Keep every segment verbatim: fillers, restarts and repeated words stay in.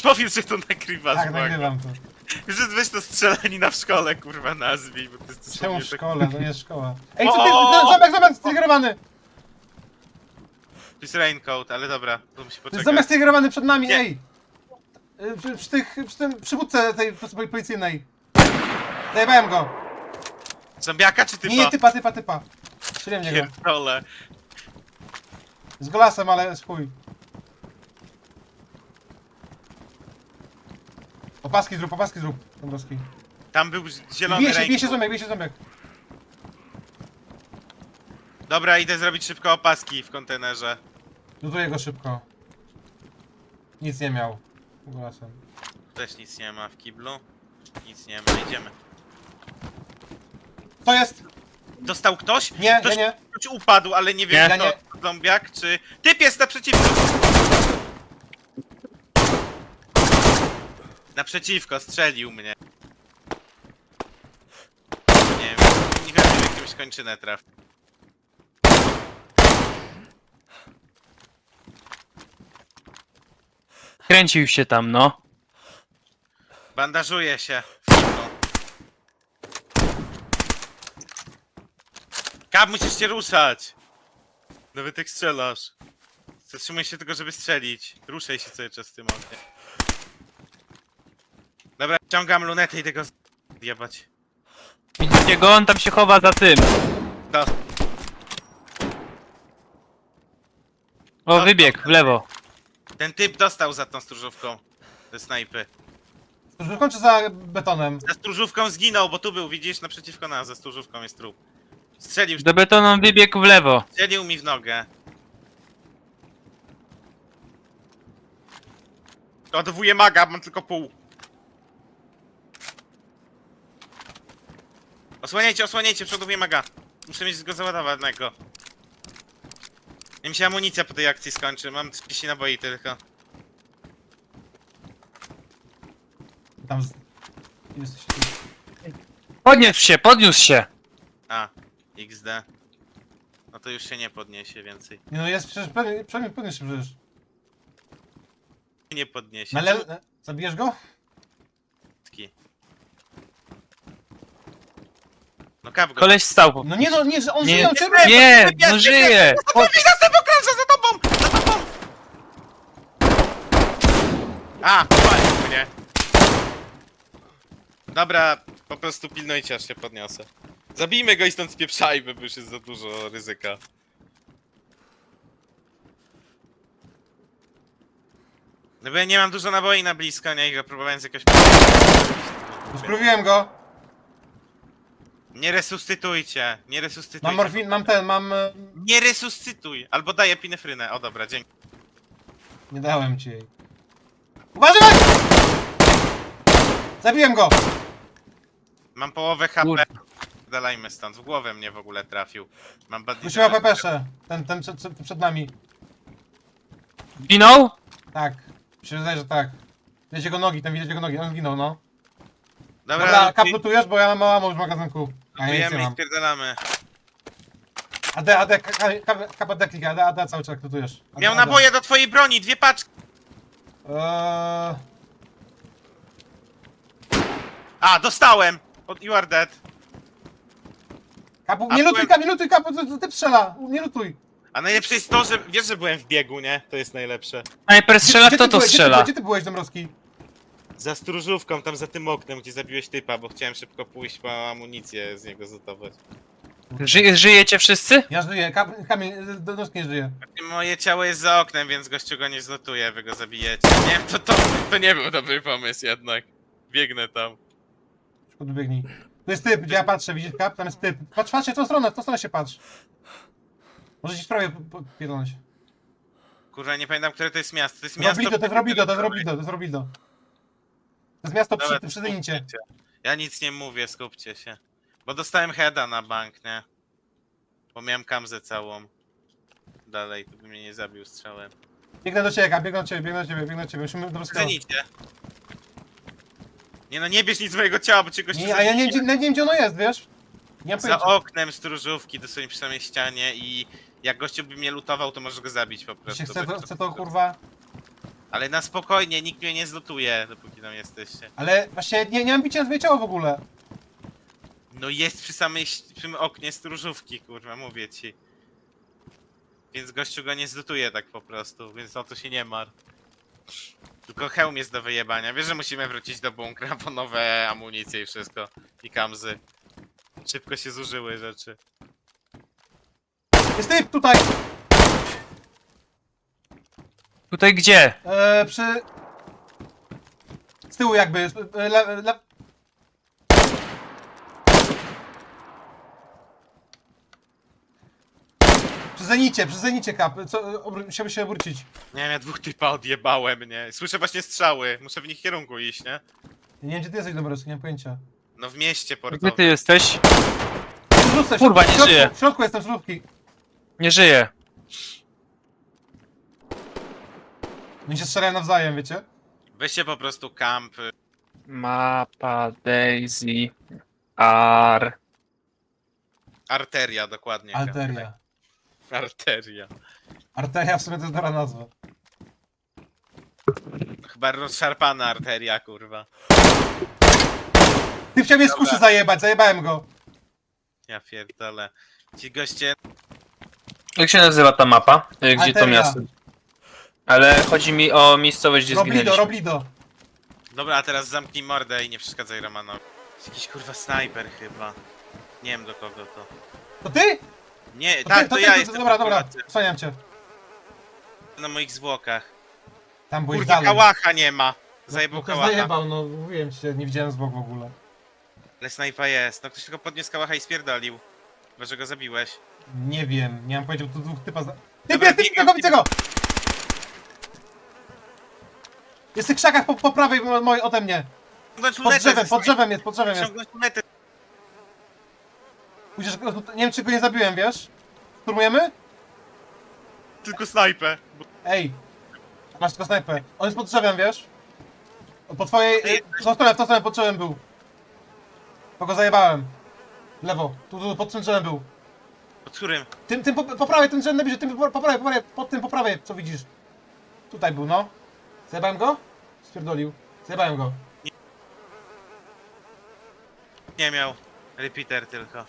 Powiedz, że to nagrywasz, Tak, błagam. nagrywam to. Że weź to strzelanina w szkole, kurwa, nazwij, bo to jest Czemu dosłownie w tak- szkole? To nie jest szkoła. Ej, co ty? O! Zobacz, zobacz, zintegrowany! To jest raincoat, ale dobra, to musi To jest poczekać. zamiast zintegrowany przed nami, Nie. ej! Y, Przy, przy tych, przy tym przywódce tej pol- policyjnej. Zajebałem go. Zombiaka czy typa? Nie, nie, typa, typa, typa. Strzeliłem w niego. Pierdolę. Z golasem, ale z chuj. Opaski zrób, opaski zrób, Dąbrowski. Tam był zielony Bije się, raincoat. bije się ząbek, bije się ząbek. Dobra, idę zrobić szybko opaski w kontenerze. Lutuję go szybko. Nic nie miał. Golasem. Też nic nie ma w kiblu. Nic nie ma, idziemy. To jest! Dostał ktoś? Nie, ktoś, nie, nie. Ktoś upadł, ale nie wiem, Nie. kto, Ja zombiak czy... Typ jest naprzeciwko! Naprzeciwko, strzelił mnie. Nie wiem, nie wiem, jakimś kończynę traf. Kręcił się tam, no. Bandażuje się w kiblu. Kap, musisz się ruszać! Nawet jak strzelasz. Zatrzymuj się tylko, żeby strzelić. Ruszaj się cały czas w tym ognie. Dobra, ściągam lunetę i tego jebać. Widzicie go? On tam się chowa za tym. Do... O, No, wybiegł w lewo. Ten typ dostał za tą stróżówką. Ze snajpy. Już kończę za betonem. Za stróżówką zginął, bo tu był, widzisz, naprzeciwko nas, za stróżówką jest trup. Strzelił, Do betonu wybiegł w lewo. strzelił mi w nogę. Odwołuję maga, mam tylko pół. Osłaniajcie, osłaniajcie, przodowuję maga. Muszę mieć go załadowanego. Nie mi się amunicja po tej akcji skończy, mam trzydzieści naboi tylko. Tam z... Jesteś... Podniósł się, podniósł się. A, iks de. No to już się nie podniesie więcej. Nie no, jest przecież pewnie, pewnie, pewnie się przecież. Nie podniesie. Na le... Zabijesz go? Czemu- No kap go. Koleś stał po No nie no, nie, że on Nie, żyje, on cię Nie, no żyje. O, widzę sobie krążę za tobą! Za tobą! A, powalił mnie. Dobra, po prostu pilnujcie, aż się podniosę. Zabijmy go i stąd spieprzajmy, bo już jest za dużo ryzyka. No bo ja nie mam dużo naboi na blisko, nie? I go próbowałem z jakoś... Sprówiłem go. Nie resuscytujcie, nie resuscytujcie. Mam morfin, mam ten, mam... e, Nie resuscytuj! Albo daję pinefrynę. O dobra, dzięki. Nie dałem ci jej. Uważaj! Zabiłem go! Mam połowę H P. Kurde. Dalajmy stąd. W głowę mnie w ogóle trafił. Mam badnie. Musimy pepesze. Ten, ten przed, przed, przed nami. Zginął? Tak. Mi się wydaje, że tak. Widać jego nogi, tam widać jego nogi, on zginął, no. Dobra, Dobra, Dobra kaplutujesz, bo ja mam małą już w magazynku. A ja nic nie lutujemy i mam. spierdalamy. A D, A D, K P D klika, A D, A D cały czas lutujesz. A D, Miał A D. naboje do twojej broni, dwie paczki. Eee... A, dostałem! Od You are dead. Kapu, A nie lutuj, byłem- kapu, nie lutuj, kapu, to, to ty strzela, nie lutuj. A najlepsze jest to, że wiesz, że byłem w biegu, nie? To jest najlepsze. Snajper strzela, Gdzie- kto gdzie ty to byłeś, Gdzie ty, strzela? byłeś- gdzie ty byłeś, Dąbrowski? Za stróżówką, tam za tym oknem, gdzie zabiłeś typa, bo chciałem szybko pójść po amunicję z niego zlutować. Ży żyjecie wszyscy? Ja żyję, Kap, Kamil, Dąbrowski nie żyje. Moje ciało jest za oknem, więc gościu go nie zlutuje, wy go zabijecie. Nie, to, to, to nie był dobry pomysł jednak. Biegnę tam. Podbiegnij. Tu jest typ, gdzie ja patrzę, widzisz kap? Tam jest typ. Patrz, patrzcie, w tą stronę, w tą stronę się patrz. Może ci sprawię pierdolnąć. Kurwa, nie pamiętam, które to jest miasto. To jest miasto... Robido, to jest Robido, to jest Robido, to jest Robido. To jest miasto Dobra, przy, to przy Zenicie. skupcie się. Ja nic nie mówię, skupcie się. Bo dostałem heada na bank, nie? Bo miałem kamzę całą. Dalej, to by mnie nie zabił strzałem. Biegnę do ciebie, Kap, biegnę do ciebie, biegnę do ciebie, biegnę do ciebie. Musimy do Zenicie. Nie no, nie bierz nic z mojego ciała, bo cię gościu Nie, a ja nie, zabije. nie, nie wiem, gdzie ono jest, wiesz? Nie mam Za pojęcia. oknem stróżówki, dosłownie przy samej ścianie i jak gościu by mnie lutował, to możesz go zabić po prostu. Się chce bo to, jest chce to kurwa... Ale na spokojnie, nikt mnie nie zlutuje, dopóki tam jesteście. Ale właśnie nie, nie mam bicia na swoje ciało w ogóle. No jest przy samej przy tym oknie stróżówki, kurwa, mówię ci. Więc gościu go nie zlutuje tak po prostu, więc o to się nie mar. Tylko hełm jest do wyjebania. Wiesz, że musimy wrócić do bunkra po nowe amunicje i wszystko. I kamzy. Szybko się zużyły rzeczy. Jest typ tutaj! Tutaj gdzie? E, przy... Z tyłu jakby. E, le, le... Przy zenicie, przy zenicie kap. Co, obr- musiałby się obrócić. Nie wiem, ja dwóch typa odjebałem, nie? Słyszę właśnie strzały. Muszę w nich kierunku iść, nie? Nie wiem gdzie ty jesteś, Dobroski, nie mam pojęcia. No w mieście Gdzie portowym. ty jesteś? W środku, Kurwa, nie w środku, żyje. W środku jestem, w środku. Nie żyję. Oni się strzelają nawzajem, wiecie? Weźcie po prostu kamp. Mapa Daisy Ar. Arteria, dokładnie. Arteria. Arteria. Arteria w sumie to jest dobra nazwa. Chyba rozszarpana arteria, kurwa. Ty chciał mnie z Dobra. kuszy zajebać, zajebałem go. Ja pierdolę. Ci goście... Jak się nazywa ta mapa? Y, Gdzie to Arteria. miasto? Ale chodzi mi o miejscowość, gdzie Roblido, zginęliśmy. Roblido. Dobra, a teraz zamknij mordę i nie przeszkadzaj Romanowi. Jest jakiś kurwa snajper chyba. Nie wiem do kogo to. To ty? Nie, To tak, ty, to ty, ja to- jestem. Dobra, dobra, akurat wspaniam cię. Na moich zwłokach. Tam byłeś Kurwa, dalej. kałacha nie ma. No, Zajebał no to kałacha. zajebał, no mówiłem ci, nie widziałem z boku w ogóle. Ale snajpa jest. No ktoś tylko podniósł kałacha i spierdolił. Chyba, że go zabiłeś. Nie wiem, nie mam pojęcia, bo tu dwóch typa zna... Typ Dobra, jest, typ, biegam, tego, widzę go! Jest w tych krzakach po, po prawej mo- mojej ode mnie. Ściągnąć Pod lunetę drzewem, ze pod snaj- drzewem jest, pod drzewem jest. Ściągnąć lunetę. Pójdziesz, nie wiem czy go nie zabiłem, wiesz? Szturmujemy? Tylko snajpę. Bo- Ej! Masz tylko snajpę. On jest pod drzewem, wiesz? Po twojej... Ej. W tą stronę, w tą stronę pod drzewem był. To go zajebałem. Lewo, tu, tu pod tym drzewem był. Pod którym? Tym, tym po, po prawej, tym drzewem najbliżej, tym po, po prawej, po prawej, pod tym po prawej, co widzisz. Tutaj był, no. Zajebałem go? Spierdolił. Zajebałem go. Nie miał. Repeater tylko.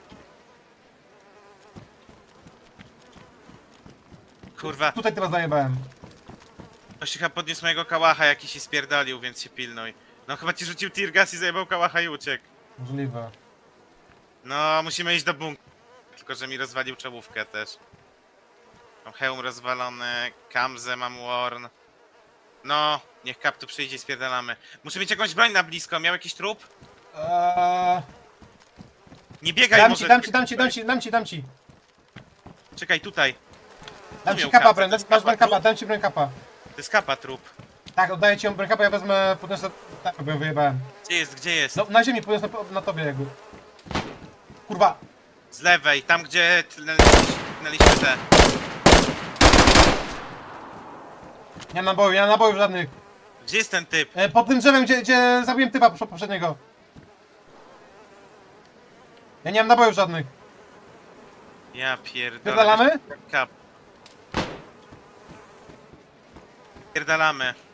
Kurwa, Tutaj teraz zajebałem. ktoś chyba podniósł mojego kałacha jakiś i spierdolił, więc się pilnuj. No chyba ci rzucił tear gas i zajebał kałacha i uciekł. Możliwe. No, musimy iść do bunkra. Tylko, że mi rozwalił czołówkę też. Mam hełm rozwalony, kamzę mam worn. No, niech kap tu przyjdzie i spierdalamy. Muszę mieć jakąś broń na blisko, miał jakiś trup? Eee, Nie biegaj dam może. ci, dam ci, dam ci, dam ci, dam ci, dam ci. Czekaj, tutaj. Dam ci miał kapa, kapę, broń, to jest masz broń kapa, kapa, dam ci broń kapa. To jest kapa trup. Tak, oddaję ci ją broń kapa, ja wezmę, podniosę, tak, bo ją wyjebałem. Gdzie jest, gdzie jest? No, na ziemi podniosę po- na tobie jakby. Kurwa, Z lewej, tam gdzie tnęliśmy te. nie mam naboju, nie mam nabojów żadnych. Gdzie jest ten typ? E, pod tym drzewem, gdzie, gdzie zabiłem typa poprze- poprzedniego. Ja nie mam nabojów żadnych. Ja pierdolę. Pierdalamy? Kap. Pierdalamy.